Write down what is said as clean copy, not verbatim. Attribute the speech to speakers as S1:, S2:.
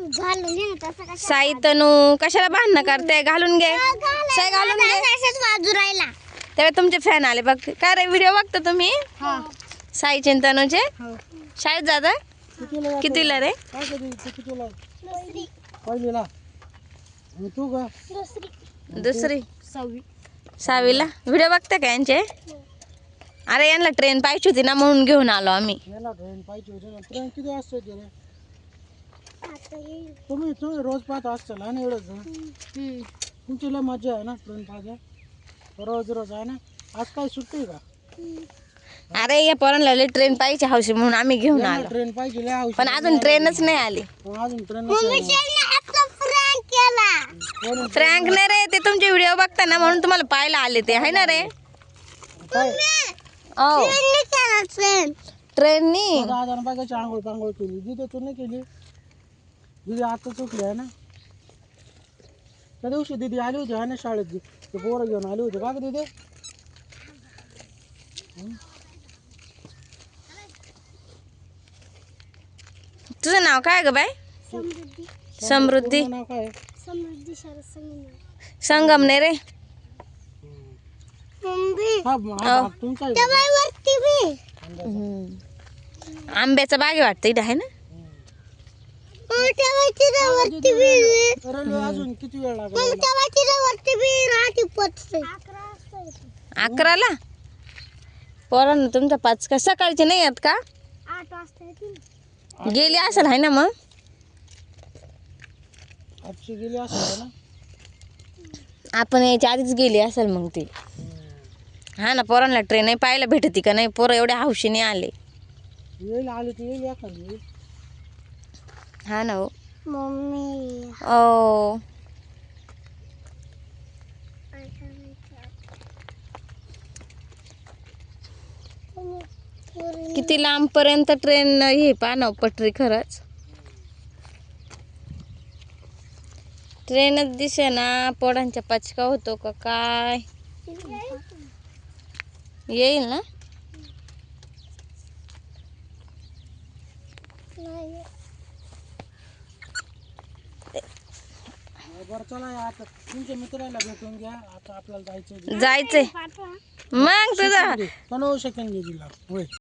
S1: घालून घे तसं कशा
S2: साई तनू कशाला भांडणं करते? घालून घे साई, घालून घे.
S1: अशाच बाजू राहिला.
S2: तेव्हा तुमचे फॅन आले बघ. काय रे व्हिडिओ बघता तुम्ही? साईचे आणि तनूचे? शाळेत जाता? कितीला रे? दुसरी 6वीला. व्हिडिओ बघता का यांचे? अरे यांना ट्रेन पाहिजे होती ना म्हणून घेऊन आलो आम्ही.
S3: ट्रेन किती वाजता येते रे? तुम्ही रोज पाहत असताल ना एवढंच. तुमची लय मजा आहे ना ट्रेन पाहायला. रोज रोज आहे ना. आज काय सुट्टी आहे का?
S2: अरे या पोरांना लय ट्रेन पाहिजे हौशी म्हणून आम्ही घेऊन आलो.
S3: ट्रेन पाहिजे लय हौशी.
S2: पण अजून ट्रेनच नाही आली.
S3: अजून ट्रेन
S2: फ्रँक नाही रे, ते तुमचे व्हिडिओ बघता ना म्हणून तुम्हाला पाहायला आले ते आहे ना रे. ट्रेननी
S3: दादा बघायची आंघोळ पांघोळ केली. दिदी तू नाही केली? दिदी आता चुकली आहे ना. त्या दिवशी दिदी आली होती आहे ना शाळेत. ते पोरं घेऊन आली होती का ग दिदी?
S2: तुझं नाव काय ग बाय? समृद्धी.
S3: नाव काय?
S1: समृद्धी शरद
S2: संगमने रे.
S3: तुमचा
S2: आंब्याचा बागे वाटतं इथं आहे ना.
S3: रेल्वे अजून किती वेळ लागेल?
S2: 11ला. पोरांना तुमच्या 5 का सकाळचे नाही आहेत का?
S1: 8 वाजता येतील.
S2: गेली असेल आहे ना मग.
S3: आजची गेली असेल ना.
S2: आपण याच्या आधीच गेली असेल मग ती. हा ना, पोरांना ट्रेन नाही पाहायला भेटती का नाही. पोरं एवढ्या हौशीने आले.
S3: येईल आली तर येईल एखादी.
S2: हा ना हो.
S1: मम्मी
S2: ओ किती लांब पर्यंत ट्रेन हे पानव पटरी. खरंच ट्रेनच दिसे ना. पोरांच्या पचका होतो का काय? येईल ना.
S3: बरं चला आता तुमच्या मित्राला भेटून घ्या. आता आपल्याला जायचं.
S2: जायचंय मग तुझं
S3: पण सेकंड घे दिला होय.